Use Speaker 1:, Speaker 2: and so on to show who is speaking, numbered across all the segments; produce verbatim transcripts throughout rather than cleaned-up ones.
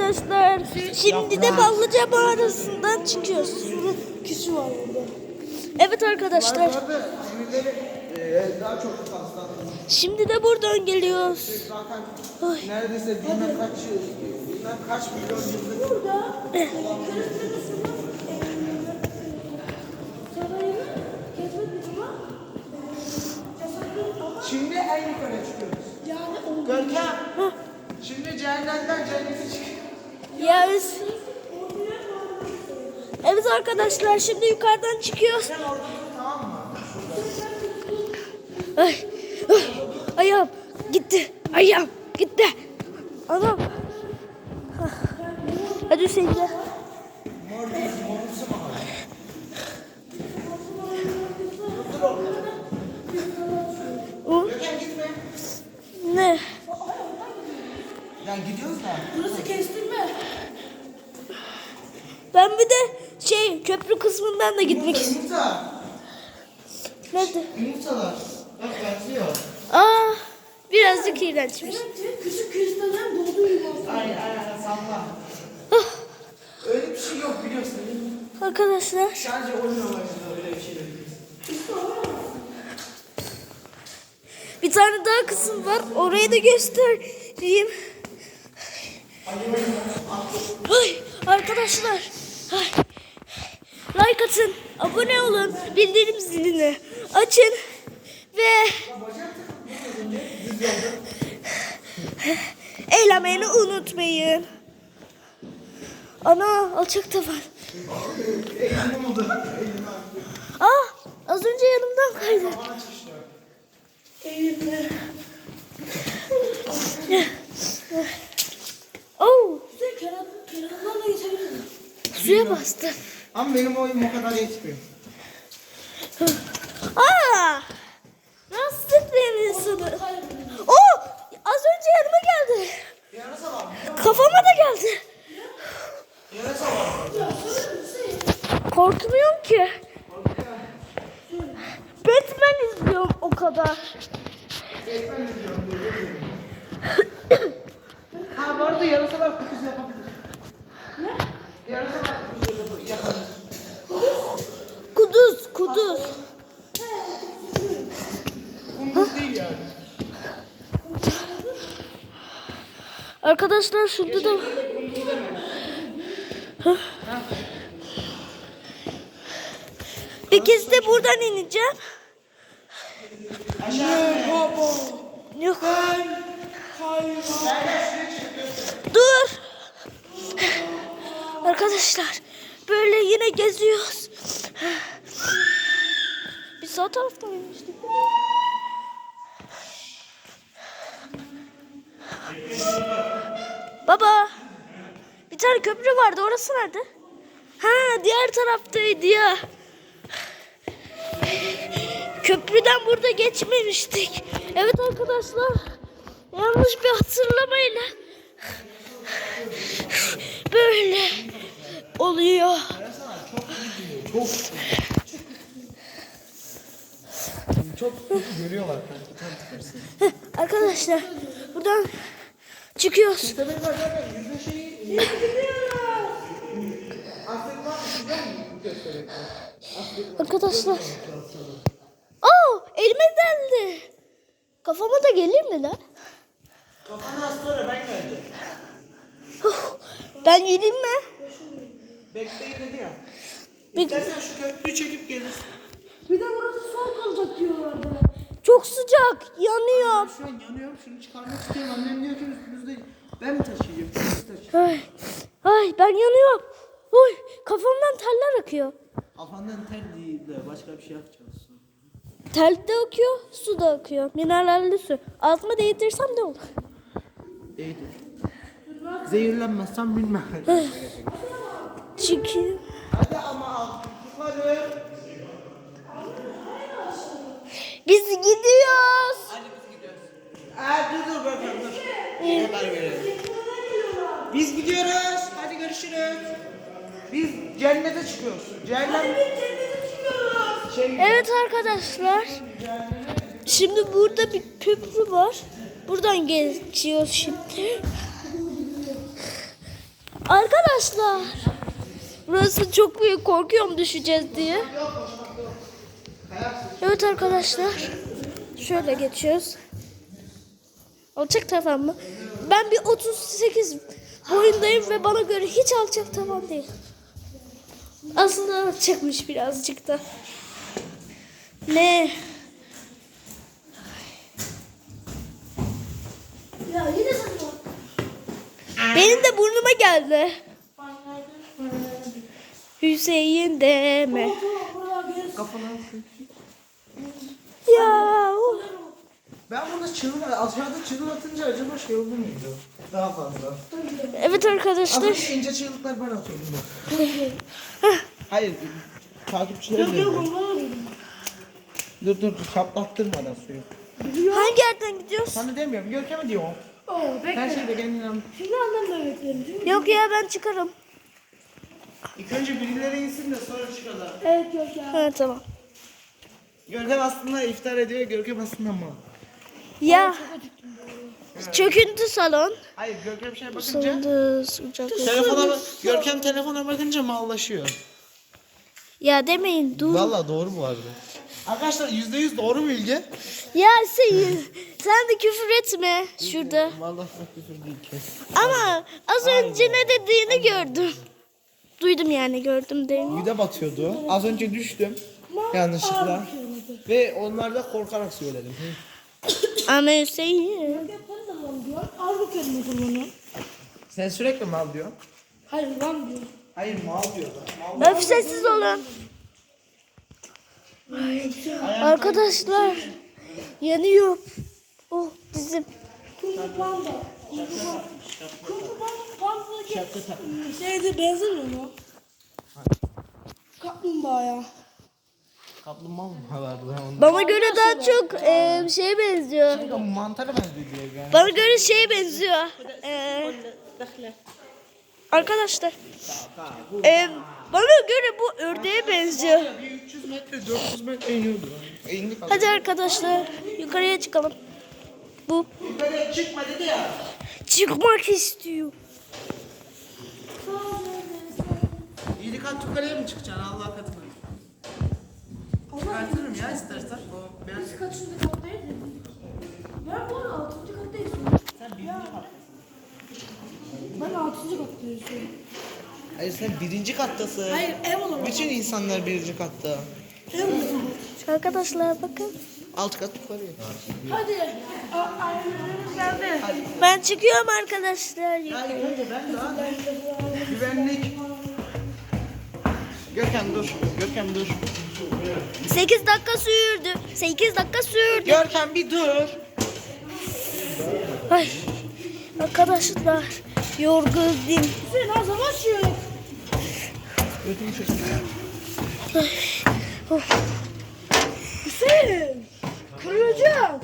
Speaker 1: arkadaşlar. Şimdi de Ballıca mağarasından çıkıyoruz.
Speaker 2: Kişi var burada.
Speaker 1: Evet arkadaşlar.
Speaker 3: Daha çok fazla.
Speaker 1: Şimdi de buradan geliyoruz.
Speaker 3: Zaten
Speaker 1: Ay.
Speaker 3: neredeyse bilmem kaç yıl, bilmem kaç milyon yıllık.
Speaker 2: Burada
Speaker 3: Şimdi en yukarı çıkıyoruz.
Speaker 2: yani o
Speaker 3: Görkem. Şimdi cehennemden cennete çıkıyor.
Speaker 1: Yes. Evet arkadaşlar şimdi yukarıdan çıkıyoruz.
Speaker 3: Sen orada dur, tamam mı?
Speaker 1: Ay, ay, ayağım gitti. Ayağım gitti. Anam. Ah. Hadi Hüseyin gel.
Speaker 3: Mor bir morumsu mu?
Speaker 1: O,
Speaker 3: Görkem gitme.
Speaker 1: ne?
Speaker 3: Yani gidiyoruz da.
Speaker 2: burası kestirme.
Speaker 1: Ben bir de şey köprü kısmından da gitmek istiyorum.
Speaker 3: Yumurta.
Speaker 1: Nerede?
Speaker 3: Yumurtalar. Bak benziyor.
Speaker 1: Aa, birazcık iğrençmiş.
Speaker 2: Evet, küçük kristallerin doğduğu yer.
Speaker 3: Aynen aynen salla.
Speaker 1: Ah,
Speaker 3: Öyle bir şey yok biliyorsun.
Speaker 1: arkadaşlar.
Speaker 3: Sadece oyun amaçlı öyle bir şey yok.
Speaker 1: Bir tane daha kısım var. Orayı da göstereyim. Ay, arkadaşlar. Ay. Like atın, abone olun, bildirim zilini açın ve eğlenmeyi unutmayın. Ana, alçak tavan.
Speaker 3: Eğilim oldu.
Speaker 1: Ah, az önce yanımdan kaydı.
Speaker 2: Eğilme.
Speaker 1: Oh,
Speaker 2: Sen kenar, kenarından da geçebilirsin.
Speaker 1: suya bastı.
Speaker 3: Ama benim oyun o kadar yetmiyor.
Speaker 1: Aa, nasıl etmeyin insanı? Oh, az önce yanıma geldi.
Speaker 3: Yarasa var.
Speaker 1: Kafama da geldi.
Speaker 3: Yarasa var.
Speaker 1: Korkmuyorum ki. Batman izliyorum o kadar.
Speaker 3: Ekmen izliyorum. Ha bu arada yarasalar kutusu yapabilir. Ne? Yarasalar kutusu yapabilir.
Speaker 1: Kuduz, kuduz.
Speaker 3: Kunduz değil yani.
Speaker 1: Arkadaşlar şurada da... Hah. Bir kez de buradan ineceğim.
Speaker 3: Aşağı.
Speaker 1: Yok. Dur. Arkadaşlar böyle yine geziyoruz. Biz sağ taraftan inmiştik. Baba. Bir tane köprü vardı. Orası nerede? Ha, diğer taraftaydı ya. Köprüden burada geçmemiştik. Evet arkadaşlar. Yanlış bir hatırlamayla böyle oluyor.
Speaker 3: Çok. Çok görüyorlar.
Speaker 1: Arkadaşlar buradan çıkıyoruz.
Speaker 3: Tabii bak zaten yüzme şeyi. Aslında var mı? Göstereyim.
Speaker 1: Arkadaşlar. Aa, elime deldi. Kafama da gelir mi lan?
Speaker 3: Kafana az sonra ben geldim.
Speaker 1: Ben yedim mi?
Speaker 3: Bekleyin dedi ya.
Speaker 1: Bir-
Speaker 3: İstersen şu köprüyü çekip gelir.
Speaker 2: Bir de burası soğuk kalacak diyorlardı.
Speaker 1: Çok sıcak, yanıyor.
Speaker 3: Şu an yanıyorum. Şunu çıkarmak istiyorum. Annem diyor ki üstümüzde. Ben mi taşıyacağım? Siz taşıyın.
Speaker 1: Ay, ay ben yanıyorum. Oy, kafamdan teller akıyor.
Speaker 3: Kafandan ter değil de başka bir şey yapacağız.
Speaker 1: Tel de akıyor, su da akıyor. Mineralli su. Altıma değdirsem ne olur?
Speaker 3: İyidir. Zehirlenmezsem bilmem.
Speaker 1: Çünkü
Speaker 3: Hadi ama al. Yukarı.
Speaker 1: biz gidiyoruz.
Speaker 3: Hadi biz gidiyoruz. Aa dur dur bakalım dur. Haber verelim. Biz gidiyoruz. Hadi görüşürüz. Biz cennete çıkıyoruz. Cehennem. Şey,
Speaker 1: Evet arkadaşlar. Şimdi burada bir köprü var. Buradan geçiyoruz şimdi. Arkadaşlar. Burası çok büyük. Korkuyorum düşeceğiz diye. Evet arkadaşlar. Şöyle geçiyoruz. Alçak tavan mı? Ben bir otuz sekiz boyundayım ve bana göre hiç alçak tavan değil. Aslında alçakmış birazcık da. Ne?
Speaker 2: Ya yine sen bak.
Speaker 1: Benim de burnuma geldi. Hüseyin deme.
Speaker 3: Kafana.
Speaker 1: Ya. of.
Speaker 3: Ben burada çığlık, aşağıda çığlık atınca acaba şey olur muydu? Daha fazla.
Speaker 1: Evet
Speaker 3: Az
Speaker 1: arkadaşlar.
Speaker 3: önce ince çığlıklar ben atıyordum bak. Hayır, takipçilerim de. Dur dur, çaplattırmadan suyu.
Speaker 1: Hangi yerden gidiyoruz?
Speaker 3: Sana demiyorum, Görkem'e diyorum.
Speaker 2: Oo bekle.
Speaker 3: Her şeyde kendine anlat.
Speaker 2: Şimdi annem de beklerim değil mi?
Speaker 1: Yok ya ben çıkarım.
Speaker 3: İlk önce birileri insin de sonra çıkalım.
Speaker 2: Evet yok ya.
Speaker 1: Ha tamam.
Speaker 3: Görkem aslında iftar ediyor, Görkem aslında mal.
Speaker 1: Ya. Çöküntü salon.
Speaker 3: Hayır, Görkem şey bakınca...
Speaker 1: Salonda sıcak.
Speaker 3: Telefona bak, Görkem telefona bakınca mallaşıyor.
Speaker 1: Ya demeyin dur.
Speaker 3: Valla doğru bu arada. Arkadaşlar yüzde yüz doğru mu bilgi?
Speaker 1: Ya sen, sen de küfür etme şurada.
Speaker 3: Vallahi çok küfür değil kes.
Speaker 1: Ama az önce ne dediğini gördüm. Duydum yani gördüm değil mi?
Speaker 3: Güde batıyordu. Az önce düştüm. Yanlışlıkla. Ve onlar da korkarak söyledim.
Speaker 1: Ama Hüseyin.
Speaker 2: Yaparız da lan diyor. Al bakalım o zaman onu.
Speaker 3: Sen sürekli mal diyor.
Speaker 2: Hayır lan diyor.
Speaker 3: Hayır mal diyor. Mal.
Speaker 1: Öf sessiz olun. Arkadaşlar yanıyor. Oh dizim.
Speaker 2: Kung Fu Panda. Kung Fu Kung Fu Panda'daki şeyde benzemiyor mu? Kaplumbağaya.
Speaker 3: Kaplumbağa mı vardı onda?
Speaker 1: Bana göre daha çok e, şeye benziyor.
Speaker 3: Mantara benziyor diyor yani.
Speaker 1: Bana göre şeye benziyor. E, arkadaşlar. E, bana göre bu ördeğe benziyor.
Speaker 3: Bir üç yüz metre dört yüz metre iniyordu. E, indik az.
Speaker 1: Hadi arkadaşlar yukarıya çıkalım. Bu
Speaker 3: Yukarıya çıkma dedi ya.
Speaker 1: çıkmak istiyor.
Speaker 3: İyilik kat yukarıya mı çıkacaksın Allah katına? Çıkartırım ya istersen. O ben...
Speaker 2: Biz kaçıncı kattayız? Ben bu arada altıncı kattayız.
Speaker 3: Sen birinci kattasın.
Speaker 2: Ben altıncı kattayız.
Speaker 3: Hayır sen birinci kattasın.
Speaker 2: Hayır ev olamaz.
Speaker 3: Bütün insanlar birinci katta.
Speaker 2: Ev olamaz.
Speaker 1: Arkadaşlar bakın.
Speaker 3: Alt kat yukarıya.
Speaker 2: Hadi. A- Ailelerimiz geldi.
Speaker 1: Ben çıkıyorum arkadaşlar.
Speaker 3: Hayır önce ben daha güvenlik. Görkem dur. Görkem dur.
Speaker 1: sekiz dakika sürdü. sekiz dakika sürdü.
Speaker 3: Görkem bir dur.
Speaker 1: Ay. Arkadaşlar yorgunum.
Speaker 2: Hüseyin az zaman şu.
Speaker 3: Götümü çekin.
Speaker 2: Hüseyin. Kırılacak.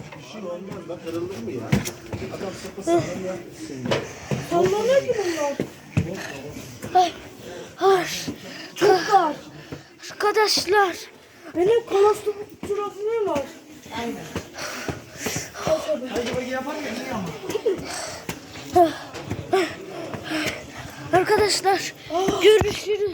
Speaker 2: Sallanıyor ki bunlar.
Speaker 1: Ay. Ay.
Speaker 2: Çok dar.
Speaker 1: Arkadaşlar.
Speaker 2: Benim kolosturafim var.
Speaker 3: Aynen. Hadi bak yapar ya iyi ama.
Speaker 1: Arkadaşlar görüşürüz.